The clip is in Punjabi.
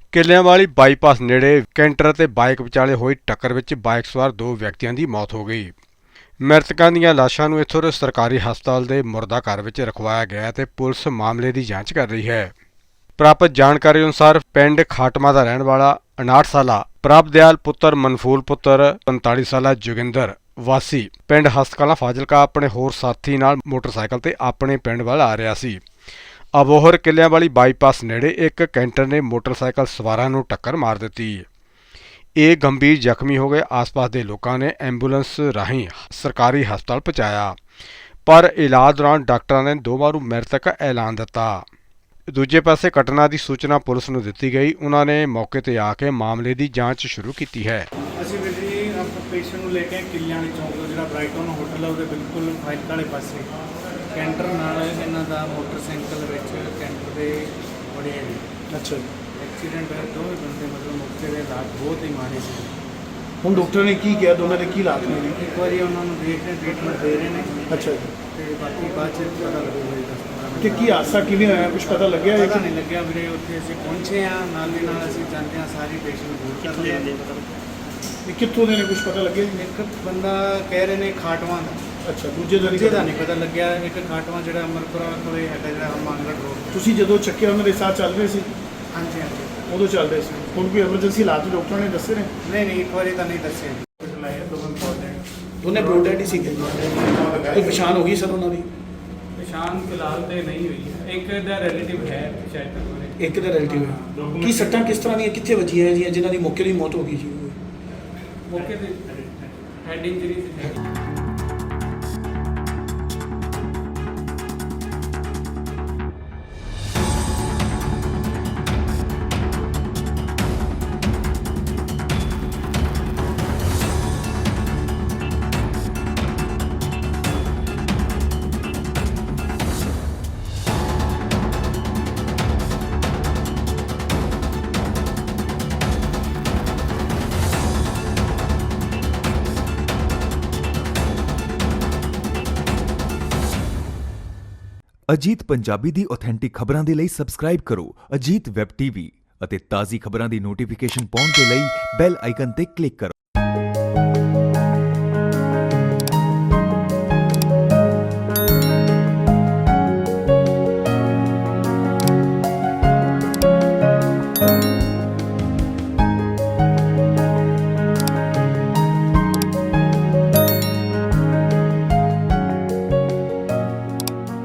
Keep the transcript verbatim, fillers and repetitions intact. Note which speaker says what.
Speaker 1: ਕਿੱਲਿਆਂਵਾਲੀ ਬਾਈਪਾਸ ਨੇੜੇ ਕੈਂਟਰ ਅਤੇ ਬਾਈਕ ਵਿਚਾਲੇ ਹੋਈ ਟੱਕਰ ਵਿੱਚ ਬਾਈਕ ਸਵਾਰ ਦੋ ਵਿਅਕਤੀਆਂ ਦੀ ਮੌਤ ਹੋ ਗਈ। ਮ੍ਰਿਤਕਾਂ ਦੀਆਂ ਲਾਸ਼ਾਂ ਨੂੰ ਇੱਥੋਂ ਦੇ ਸਰਕਾਰੀ ਹਸਪਤਾਲ ਦੇ ਮੁਰਦਾ ਘਰ ਵਿੱਚ ਰਖਵਾਇਆ ਗਿਆ ਤੇ ਪੁਲਿਸ ਮਾਮਲੇ ਦੀ ਜਾਂਚ ਕਰ ਰਹੀ ਹੈ। ਪ੍ਰਾਪਤ ਜਾਣਕਾਰੀ ਅਨੁਸਾਰ ਪਿੰਡ ਖਾਟਮਾ ਦਾ ਰਹਿਣ ਵਾਲਾ ਉਨਾਹਠ ਸਾਲਾ ਪ੍ਰਭਦਿਆਲ ਪੁੱਤਰ ਮਨਫੂਲ ਪੁੱਤਰ ਪੰਤਾਲੀ ਸਾਲਾ ਜੋਗਿੰਦਰ ਵਾਸੀ ਪਿੰਡ ਹਸਤਕਲਾਂ ਫਾਜ਼ਿਲਕਾ ਆਪਣੇ ਹੋਰ ਸਾਥੀ ਨਾਲ ਮੋਟਰਸਾਈਕਲ ਤੇ ਆਪਣੇ ਪਿੰਡ ਵੱਲ ਆ ਰਿਹਾ ਸੀ। ਅਬੋਹਰ ਕਿੱਲਿਆਂਵਾਲੀ ਬਾਈਪਾਸ ਨੇੜੇ ਇੱਕ ਕੈਂਟਰ ਨੇ ਮੋਟਰਸਾਈਕਲ ਸਵਾਰਾਂ ਨੂੰ ਟੱਕਰ ਮਾਰ ਦਿੱਤੀ। ਇਹ ਗੰਭੀਰ ਜ਼ਖਮੀ ਹੋ ਗਏ। ਆਸ-ਪਾਸ ਦੇ ਲੋਕਾਂ ਨੇ ਐਂਬੂਲੈਂਸ ਰਾਹੀਂ ਸਰਕਾਰੀ ਹਸਪਤਾਲ ਪਹੁੰਚਾਇਆ, ਪਰ ਇਲਾਜ ਦੌਰਾਨ ਡਾਕਟਰਾਂ ਨੇ ਦੋਵਾਂ ਨੂੰ ਮ੍ਰਿਤਕ ਐਲਾਨ ਦਿੱਤਾ। ਦੂਜੇ ਪਾਸੇ ਘਟਨਾ ਦੀ ਸੂਚਨਾ ਪੁਲਿਸ ਨੂੰ ਦਿੱਤੀ ਗਈ। ਉਹਨਾਂ ਨੇ ਮੌਕੇ ਤੇ ਆ ਕੇ ਮਾਮਲੇ ਦੀ ਜਾਂਚ ਸ਼ੁਰੂ ਕੀਤੀ ਹੈ।
Speaker 2: ਅਸੀਂ ਵੀਰ ਜੀ ਆਪਣੇ ਪੇਸ਼ੈਂਟ ਨੂੰ ਲੈ ਕੇ ਕਿੱਲਿਆਂਵਾਲੀ ਚੌਂਕ ਤੋਂ ਜਿਹੜਾ ਬ੍ਰਾਈਟਨ ਹੋਟਲ ਹੈ ਉਹਦੇ ਬਿਲਕੁਲ ਫਾਜ਼ਿਲਕਾ ਵਾਲੇ ਪਾਸੇ ਕੈਂਟਰ ਨਾਲ ਇਹਨਾਂ ਦਾ ਮੋਟਰਸਾਈਕਲ ਵਿੱਚ ਕੈਂਟਰ ਦੇ ਬੜੇ
Speaker 3: ਅੱਛਾ ਜੀ।
Speaker 2: ਐਕਸੀਡੈਂਟ ਹੋਇਆ। ਦੋਵੇਂ ਬੰਦੇ ਮਤਲਬ ਮੌਕੇ ਦੇ ਹਾਲਾਤ ਬਹੁਤ ਹੀ ਮਾੜੇ ਸੀ।
Speaker 3: ਹੁਣ ਡਾਕਟਰ ਨੇ ਕੀ ਕਿਹਾ, ਦੋਨਾਂ ਦੇ ਕੀ ਹਾਲਾਤ ਨੇ ਜੀ?
Speaker 2: ਇੱਕ ਵਾਰੀ ਉਹਨਾਂ ਨੂੰ ਦੇਖ ਰਹੇ ਟ੍ਰੀਟਮੈਂਟ ਦੇ ਰਹੇ ਨੇ
Speaker 3: ਅੱਛਾ ਜੀ।
Speaker 2: ਤੇ ਬਾਕੀ ਬਾਅਦ ਚ ਪਤਾ ਲੱਗੂਗਾ ਜੀ ਦਸ ਪੰਦਰਾਂ ਮਿੰਟ।
Speaker 3: ਕਿ ਕੀ ਹਾਦਸਾ ਕਿਵੇਂ ਹੋਇਆ, ਕੁਝ ਪਤਾ ਲੱਗਿਆ ਹੈ?
Speaker 2: ਪਤਾ ਨਹੀਂ ਲੱਗਿਆ ਵੀਰੇ। ਉੱਥੇ ਅਸੀਂ ਪਹੁੰਚੇ ਹਾਂ, ਨਾਲ ਦੀ ਨਾਲ ਅਸੀਂ ਜਾਂਦੇ ਹਾਂ ਸਾਰੀ ਪੇਸ਼ੈਂਟ ਦੂਰ ਕਰ ਲਿਆ।
Speaker 3: ਇਹ ਕਿੱਥੋਂ ਦੇ ਨੇ, ਕੁਝ ਪਤਾ ਲੱਗਿਆ ਜੀ?
Speaker 2: ਇੱਕ ਬੰਦਾ ਕਹਿ ਰਹੇ ਨੇ ਖਾਟਵਾਂ ਦਾ।
Speaker 3: ਅੱਛਾ, ਦੂਜੇ ਦਾ
Speaker 2: ਦੂਜੇ ਦਾ
Speaker 3: ਨਹੀਂ?
Speaker 2: ਨਹੀਂ ਪਤਾ ਲੱਗਿਆ। ਇੱਕ ਖਾਟਵਾਂ ਜਿਹੜਾ ਅਮਰਪੁਰਾ ਕੋਲੇ ਹੈਗਾ ਜਿਹੜਾ ਮਾਨਗੜ ਰੋਡ।
Speaker 3: ਤੁਸੀਂ ਜਦੋਂ ਚੱਕਿਆ ਉਹਨਾਂ ਦੇ ਸਾਹ ਚੱਲ ਰਹੇ ਸੀ?
Speaker 2: ਹਾਂਜੀ ਹਾਂਜੀ।
Speaker 3: ਉਦੋਂ ਚੱਲ ਰਹੇ ਸੀ। ਹੁਣ ਕੋਈ ਐਮਰਜੈਂਸੀ ਹਾਲਾਤ ਡਾਕਟਰਾਂ ਨੇ ਦੱਸੇ ਨੇ?
Speaker 2: ਨਹੀਂ ਨਹੀਂ, ਇੱਕ ਵਾਰੀ ਤਾਂ ਨਹੀਂ ਦੱਸਿਆ। ਦੋਵੇਂ ਇੰਪੋਰਟੈਂਟ
Speaker 3: ਦੋਨੇ ਬ੍ਰੋਡੈਡ ਹੀ ਸੀਗੇ। ਕੋਈ ਪਛਾਣ ਹੋ ਗਈ ਸਰ ਉਹਨਾਂ ਦੀ?
Speaker 2: ਪਛਾਣ ਫਿਲਹਾਲ ਤੇ ਨਹੀਂ ਹੋਈ ਹੈ। ਇੱਕ ਦਾ ਰਿਲੇਟਿਵ ਹੈ ਸ਼ਾਇਦ ਤੱਕ।
Speaker 3: ਇੱਕ ਦਾ ਰਿਲੇਟਿਵ ਹੈ। ਕੀ ਸੱਟਾਂ ਕਿਸ ਤਰ੍ਹਾਂ ਦੀਆਂ ਕਿੱਥੇ ਵੱਜੀਆਂ ਜੀ, ਜਿਨ੍ਹਾਂ ਦੀ ਮੌਕੇ ਦੀ ਮੌਤ ਹੋ ਗਈ ਜੀ?
Speaker 2: ਮੌਕੇ ਤੇ ਹੈਡ ਇੰਜਰੀ ਸੀ।
Speaker 4: ਅਜੀਤ ਪੰਜਾਬੀ ਦੀ ਆਥੈਂਟਿਕ ਖਬਰਾਂ ਦੇ ਲਈ ਸਬਸਕ੍ਰਾਈਬ ਕਰੋ ਅਜੀਤ ਵੈਬ ਟੀਵੀ ਅਤੇ ਤਾਜ਼ੀ ਖਬਰਾਂ ਦੀ ਨੋਟੀਫਿਕੇਸ਼ਨ ਪਾਉਣ ਦੇ ਲਈ ਬੈਲ ਆਈਕਨ ਤੇ ਕਲਿੱਕ ਕਰੋ।